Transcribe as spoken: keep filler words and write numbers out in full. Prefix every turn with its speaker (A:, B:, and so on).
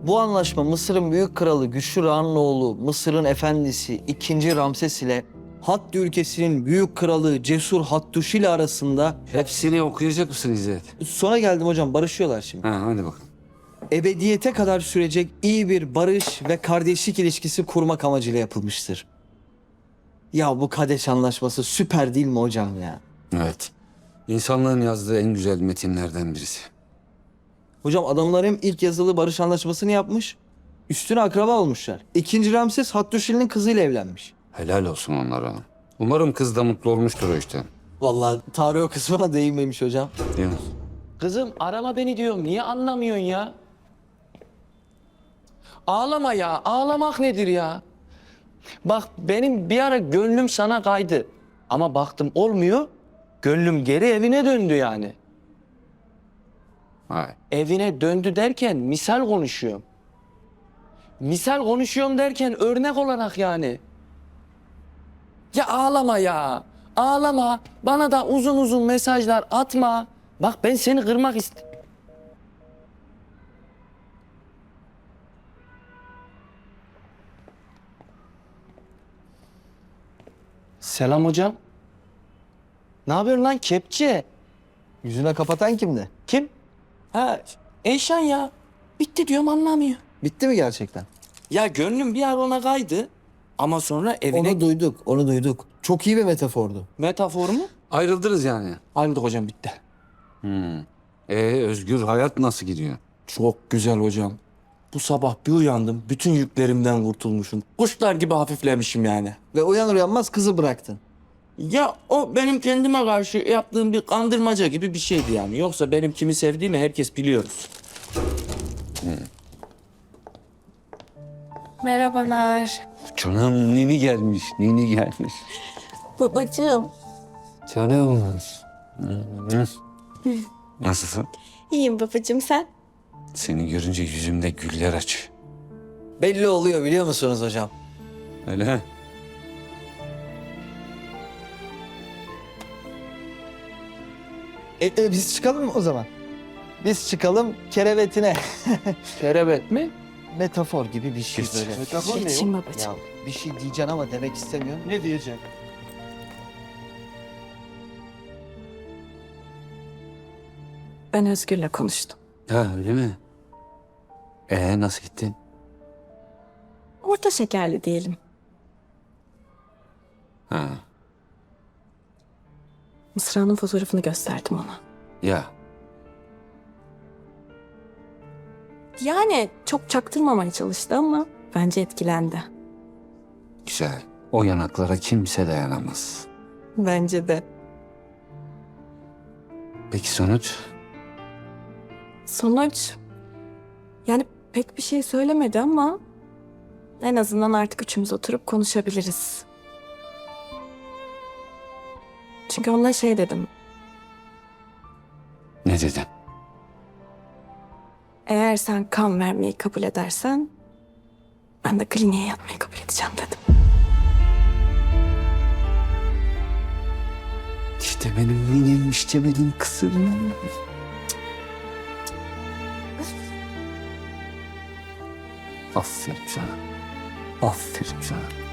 A: Bu anlaşma Mısır'ın büyük kralı Güçlü Ra'nın oğlu Mısır'ın efendisi ikinci Ramses ile Hattı ülkesinin büyük kralı Cesur Hattuşi ile arasında...
B: Hepsini okuyacak mısın İzzet?
A: Sonra geldim hocam, barışıyorlar şimdi.
B: Ha, hadi bakalım.
A: Ebediyete kadar sürecek iyi bir barış ve kardeşlik ilişkisi kurmak amacıyla yapılmıştır. Ya bu Kadeş Anlaşması süper değil mi hocam ya?
B: Evet. İnsanlığın yazdığı en güzel metinlerden birisi.
A: Hocam adamlar hem ilk yazılı barış anlaşmasını yapmış, üstüne akraba olmuşlar. İkinci Ramses Hattuşili'nin kızıyla evlenmiş.
B: Helal olsun onlara. Umarım kız da mutlu olmuştur o işten.
A: Vallahi tarih o kısmına değinmemiş hocam.
B: Değil mi?
C: Kızım arama beni diyorum. Niye anlamıyorsun ya? Ağlama ya. Ağlamak nedir ya? Bak benim bir ara gönlüm sana kaydı. Ama baktım olmuyor. Gönlüm geri evine döndü yani.
B: Hay.
C: Evine döndü derken misal konuşuyorum. Misal konuşuyorum derken örnek olarak yani. Ya ağlama ya. Ağlama. Bana da uzun uzun mesajlar atma. Bak ben seni kırmak ist... Selam hocam. Ne yapıyorsun lan kepçe?
A: Yüzüne kapatan kimdi?
C: Kim? Ha Eyşan ya. Bitti diyorum anlamıyor.
A: Bitti mi gerçekten?
C: Ya gönlüm bir ara ona kaydı. Ama sonra evine...
A: Onu duyduk, onu duyduk. Çok iyi bir metafordu.
C: Metafor mu?
B: Ayrıldınız yani.
C: Ayrıldık hocam bitti.
B: Ee, Özgür hayat nasıl gidiyor?
C: Çok güzel hocam. Bu sabah bir uyandım. Bütün yüklerimden kurtulmuşum. Kuşlar gibi hafiflemişim yani.
A: Ve uyanır uyanmaz kızı bıraktın.
C: Ya o benim kendime karşı yaptığım bir kandırmaca gibi bir şeydi yani. Yoksa benim kimi sevdiğimi herkes biliyoruz.
D: Merhabalar.
B: Canım Nini gelmiş, Nini gelmiş.
D: Babacığım.
B: Canım. Nasılsın?
D: İyiyim babacığım sen?
B: Seni görünce yüzümde güller aç.
A: Belli oluyor biliyor musunuz hocam?
B: Öyle.
A: E, e, biz çıkalım mı o zaman? Biz çıkalım kerevetine.
C: Şerebet mi?
A: Metafor gibi bir şey
B: Geç.
A: böyle.
C: Metafor ne
D: Geçin
C: yok?
D: babacığım.
A: Ya bir şey diyeceksin ama demek istemiyorum.
C: Ne diyecek?
D: Ben Özgür'le konuştum.
B: Ha öyle mi? Ee nasıl gittin?
D: Orta şekerli diyelim.
B: Ha.
D: Mısra'nın fotoğrafını gösterdim ona.
B: Ya
D: Yani çok çaktırmamaya çalıştı ama bence etkilendi.
B: güzel. O yanaklara kimse dayanamaz.
D: Bence de.
B: Peki sonuç?
D: Sonuç... Yani pek bir şey söylemedi ama... En azından artık üçümüz oturup konuşabiliriz. Çünkü ona şey dedim.
B: Ne dedin?
D: Eğer sen kan vermeyi kabul edersen... Ben de kliniğe yatmayı kabul edeceğim dedim.
B: İşte benim minim, işte benim kızım. Aferin sana. Aferin sana.